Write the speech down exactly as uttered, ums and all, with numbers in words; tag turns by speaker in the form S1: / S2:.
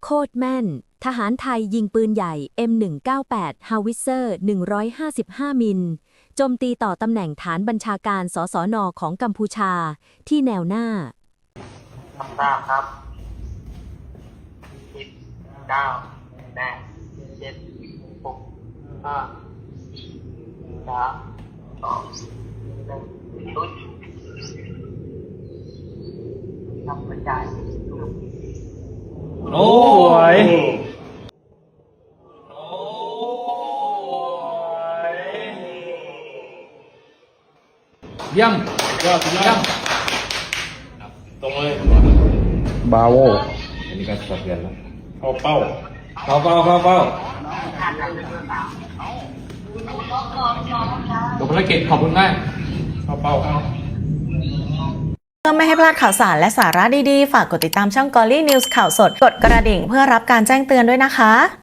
S1: โคตรแม่น ทหารไทยยิงปืนใหญ่ เอ็ม หนึ่งเก้าแปด Howitzer หนึ่งร้อยห้าสิบห้า มิล โจมตีต่อตำแหน่งฐานบัญชาการสสนของกัมพูชาที่แนวหน้า
S2: ทำทราบครับสิบเก้าแปดเจ็ดหกห้าสี่สามสองหนึ่งลุยทำกระจาย
S3: โอ้ยเยี่ยมยอดเยี่ยมตรงเลยบาโวอันนี้ก็สะเทือนแล้วเข้าเป้าเข้าเป้าเข้าเป้าจบภารกิจขอบคุณมากเข้าเป้า
S4: เพื่อไม่ให้พลาดข่าวสารและสาระดีๆฝากกดติดตามช่อง Golly News ข่าวสดกดกระดิ่งเพื่อรับการแจ้งเตือนด้วยนะคะ